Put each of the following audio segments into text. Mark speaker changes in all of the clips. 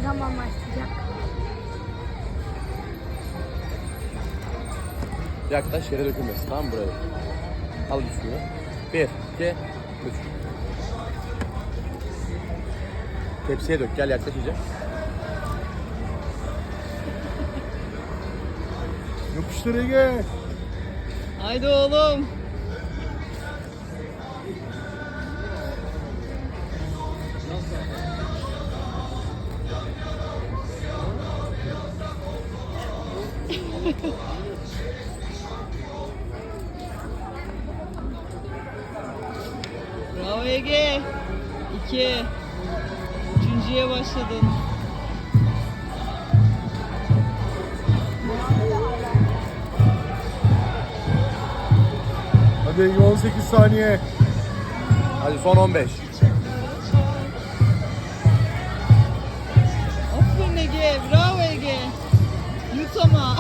Speaker 1: zaman başlayacak?
Speaker 2: Yaklaş, yere dökülmesin, tamam mı, buraya? Al bir suyu. 1, 2, 3. Tepsiye dök, gel yaklaş iyice.
Speaker 3: Yapıştır Ege.
Speaker 4: Haydi oğlum. Bravo Ege. 2. Üçüncüye başladın.
Speaker 3: Hadi Ege 18 saniye.
Speaker 2: Hadi son 15.
Speaker 4: Aferin Ege. Bravo Ege. Yut ama.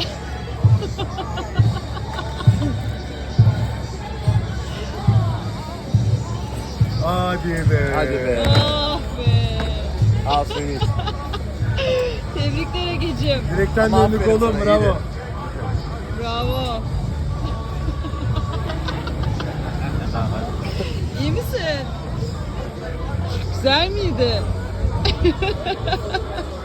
Speaker 3: Hadi be.
Speaker 2: Hadi be.
Speaker 4: Ah be.
Speaker 2: Al suyunu iç.
Speaker 4: Tebrikler Ege'cim.
Speaker 3: Direkten
Speaker 2: Ama
Speaker 3: döndük
Speaker 2: aferin
Speaker 3: oğlum,
Speaker 2: sana,
Speaker 3: bravo.
Speaker 2: iyiydi.
Speaker 4: Bravo. İyi misin? Güzel miydi?